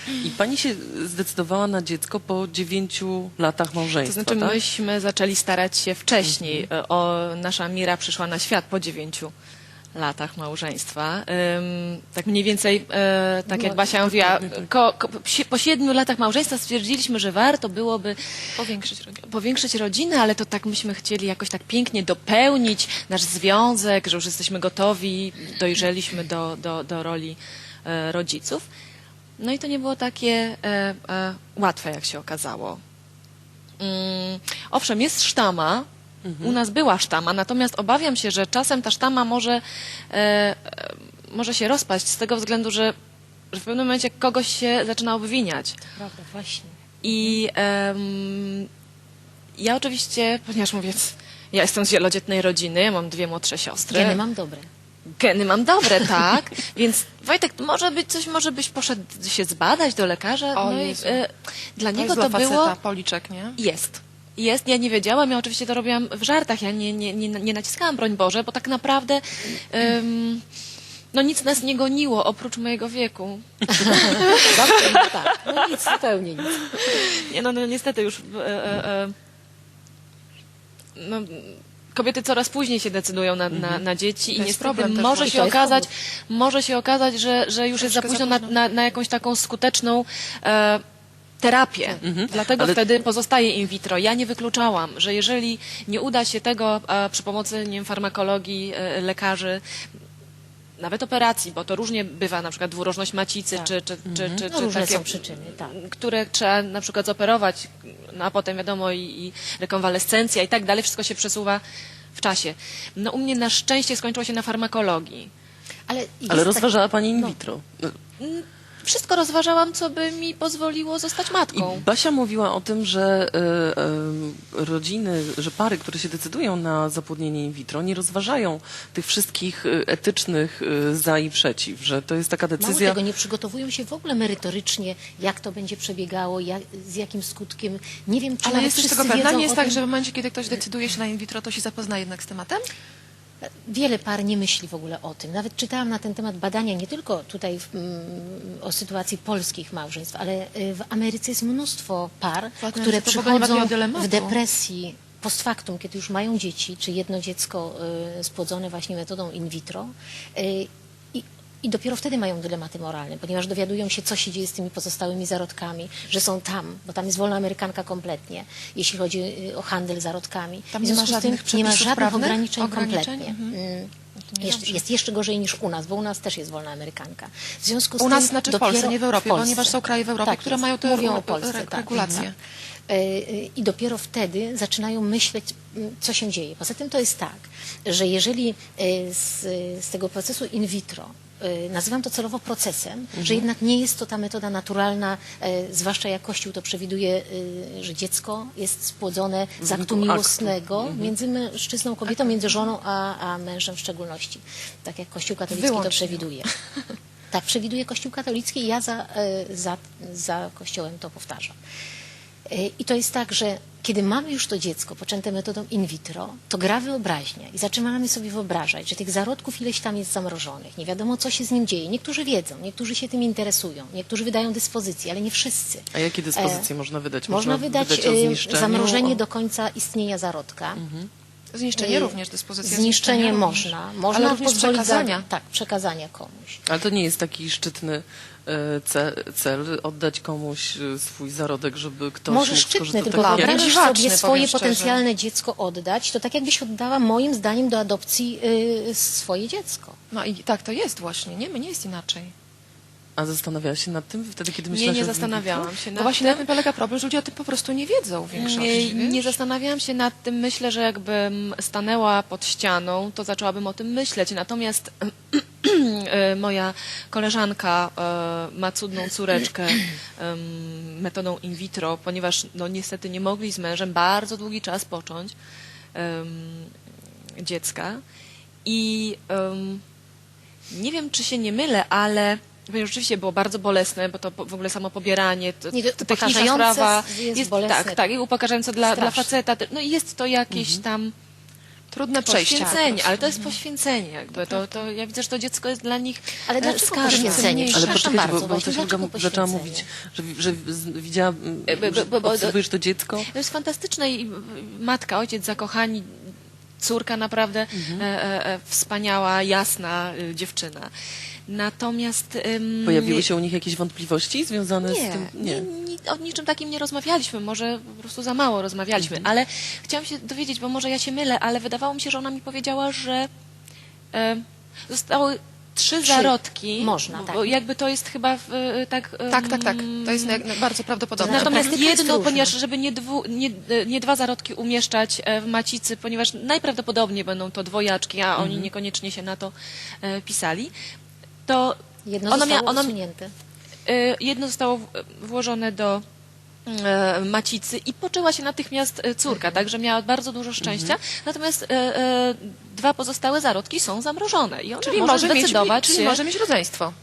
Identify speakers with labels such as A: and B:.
A: I pani się zdecydowała na dziecko po 9 latach
B: To
A: małżeństwa,
B: znaczy
A: tak?
B: myśmy zaczęli starać się wcześniej. Nasza Mira przyszła na świat po 9 latach małżeństwa. Tak mniej więcej, tak jak Basia mówiła, po 7 latach małżeństwa stwierdziliśmy, że warto byłoby powiększyć rodzinę, ale to tak myśmy chcieli jakoś tak pięknie dopełnić nasz związek, że już jesteśmy gotowi, dojrzeliśmy do roli rodziców. No i to nie było takie łatwe, jak się okazało. Owszem, jest sztama, u nas była sztama, natomiast obawiam się, że czasem ta sztama może się rozpaść z tego względu, że w pewnym momencie kogoś się zaczyna obwiniać.
C: Prawda, właśnie.
B: I ja oczywiście, ponieważ mówię, ja jestem z wielodzietnej rodziny, ja mam 2 młodsze siostry.
C: Geny mam dobre.
B: Geny mam dobre, tak. Więc Wojtek, może byś poszedł się zbadać do lekarza.
D: O
B: No i,
D: Jezu.
B: dla
D: To
B: niego
D: jest
B: to
D: dla
B: było...
D: faceta policzek, nie?
B: Jest. Ja nie wiedziałam, ja oczywiście to robiłam w żartach, ja nie naciskałam, broń Boże, bo tak naprawdę no nic nas nie goniło oprócz mojego wieku.
C: Tak, no nic, zupełnie nic.
B: Nie, no niestety już no, kobiety coraz później się decydują na dzieci i
D: jest
B: niestety
D: problem też
B: może
D: właśnie.
B: się okazać, że już jest za
D: Troszkę
B: późno
D: za
B: na jakąś taką skuteczną terapię. Dlatego
A: Ale-
B: wtedy pozostaje in vitro. Ja nie wykluczałam, że jeżeli nie uda się tego przy pomocy nie wiem, farmakologii, lekarzy, nawet operacji, bo to różnie bywa, na przykład dwurożność macicy,
C: Tak.
B: czy
C: No, różne
B: takie,
C: są przyczyny, tak.
B: które trzeba na przykład zoperować, no a potem wiadomo i rekonwalescencja i tak dalej, wszystko się przesuwa w czasie. No u mnie na szczęście skończyło się na farmakologii.
C: Ale
A: Ale
C: jest
A: rozważała pani in vitro.
B: Wszystko rozważałam, co by mi pozwoliło zostać
A: I
B: matką.
A: Basia mówiła o tym, że rodziny, że pary, które się decydują na zapłodnienie in vitro, nie rozważają tych wszystkich etycznych za i przeciw, że to jest taka
C: Mało
A: decyzja...
C: tego, nie przygotowują się w ogóle merytorycznie, jak to będzie przebiegało, z jakim skutkiem. Nie wiem, czy
D: Ale
C: nawet
D: jest też
C: wszyscy
D: tego pewna.
C: wiedzą
D: Nie jest
C: o
D: tak,
C: tym.
D: że w momencie, kiedy ktoś decyduje się na in vitro, to się zapozna jednak z tematem?
C: Wiele par nie myśli w ogóle o tym. Nawet czytałam na ten temat badania, nie tylko tutaj o sytuacji polskich małżeństw, ale w Ameryce jest mnóstwo par,
D: Ładne,
C: które
D: że to w ogóle nie ma
C: przychodzą
D: takiego dylematu.
C: w depresji post factum, kiedy już mają dzieci, czy jedno dziecko spłodzone właśnie metodą in vitro. I dopiero wtedy mają dylematy moralne, ponieważ dowiadują się, co się dzieje z tymi pozostałymi zarodkami, że są tam, bo tam jest wolna amerykanka kompletnie, jeśli chodzi o handel zarodkami.
D: Tam
C: W
D: nie ma
C: związku z tym
D: żadnych
C: nie ma
D: przepisów
C: żadnych
D: prawnych?
C: ograniczeń
D: Ograniczeń?
C: kompletnie.
D: To niedobrze.
C: Jest jeszcze gorzej niż u nas, bo u nas też jest wolna amerykanka. W związku z
D: U
C: tym
D: nas znaczy w
C: dopiero
D: Polsce, nie w Europie,
C: Polsce.
D: ponieważ są kraje w Europie,
C: Tak
D: które
C: jest.
D: mają te
C: Mówią o Polsce, tak.
D: regulacje.
C: I dopiero wtedy zaczynają myśleć, co się dzieje. Poza tym to jest tak, że jeżeli z tego procesu in vitro nazywam to celowo procesem, że jednak nie jest to ta metoda naturalna, zwłaszcza jak Kościół to przewiduje, że dziecko jest spłodzone z aktu miłosnego między mężczyzną, kobietą, między żoną a mężem w szczególności. Tak jak Kościół katolicki
D: Wyłącznie.
C: to przewiduje. Tak przewiduje Kościół katolicki i ja za Kościołem to powtarzam. I to jest tak, że kiedy mamy już to dziecko poczęte metodą in vitro, to gra wyobraźnia i zaczynamy sobie wyobrażać, że tych zarodków ileś tam jest zamrożonych, nie wiadomo co się z nim dzieje. Niektórzy wiedzą, niektórzy się tym interesują, niektórzy wydają dyspozycje, ale nie wszyscy.
A: A jakie dyspozycje można wydać?
C: Można wydać
A: o zniszczeniu,
C: zamrożenie do końca istnienia zarodka.
D: Zniszczenie również dyspozycja.
C: Zniszczenie
D: również.
C: można
D: Ale również
C: pozwolić
D: przekazania.
C: przekazania komuś.
A: Ale to nie jest taki szczytny cel oddać komuś swój zarodek, żeby ktoś
C: Może
A: mógł
C: szczytny,
A: skorzystać.
C: tylko
D: Dla mnie
C: wyobrażasz
D: dziwaczny,
C: sobie
D: powiem
C: swoje
D: szczerze.
C: potencjalne dziecko oddać, to tak jakbyś oddała moim zdaniem do adopcji swoje dziecko.
D: No i tak to jest właśnie, nie? Nie jest inaczej.
A: A zastanawiałaś się nad tym wtedy, kiedy
B: Nie,
A: myślałaś
B: nie
A: o in vitro?
B: zastanawiałam się
D: No
B: nad
D: właśnie
B: tym.
D: na tym polega problem, że ludzie o tym po prostu nie wiedzą w większości.
B: Nie
D: wiesz?
B: zastanawiałam się nad tym. Myślę, że jakbym stanęła pod ścianą, to zaczęłabym o tym myśleć. Natomiast moja koleżanka ma cudną córeczkę metodą in vitro, ponieważ no, niestety nie mogli z mężem bardzo długi czas począć dziecka. I nie wiem, czy się nie mylę, ale rzeczywiście było bardzo bolesne, bo to w ogóle samo pobieranie, to techniczna
C: upokarzające
B: sprawa
C: jest bolesne.
B: tak, i upokarzające dla
C: Straszne.
B: faceta. No i jest to jakieś tam
D: Trudne przejście. po
B: Poświęcenie,
D: prostu.
B: ale to jest poświęcenie jakby. To ja widzę, że to dziecko jest dla nich
C: Ale dlaczego
B: skarżne.
C: poświęcenie?
A: Ale
C: Przepraszam
A: poczekajcie,
C: bardzo,
A: bo
C: właśnie,
A: też Olga
C: dlaczego
A: zaczęła
C: poświęcenie?
A: mówić, że widziała,
B: bo-
A: obserwujesz to dziecko.
B: To jest fantastyczne i matka, ojciec zakochani, córka naprawdę wspaniała, jasna dziewczyna. Natomiast
A: Pojawiły się u nich jakieś wątpliwości związane z
B: nie,
A: tym?
B: o niczym takim nie rozmawialiśmy, może po prostu za mało rozmawialiśmy, ale chciałam się dowiedzieć, bo może ja się mylę, ale wydawało mi się, że ona mi powiedziała, że zostały 3 zarodki.
C: Można, tak.
B: Bo jakby to jest chyba tak...
D: Tak. To jest bardzo prawdopodobne.
B: Natomiast
C: praktyka jest
B: jedno,
C: różna.
B: ponieważ żeby nie 2 zarodki umieszczać w macicy, ponieważ najprawdopodobniej będą to dwojaczki, a oni niekoniecznie się na to pisali, to
C: Jedno zostało usunięte.
B: jedno zostało włożone do macicy i poczęła się natychmiast córka, także miała bardzo dużo szczęścia. Natomiast 2 pozostałe zarodki są zamrożone i ona
D: Czyli
B: może
D: może
B: zdecydować
D: mieć
B: się...
D: rodzeństwo.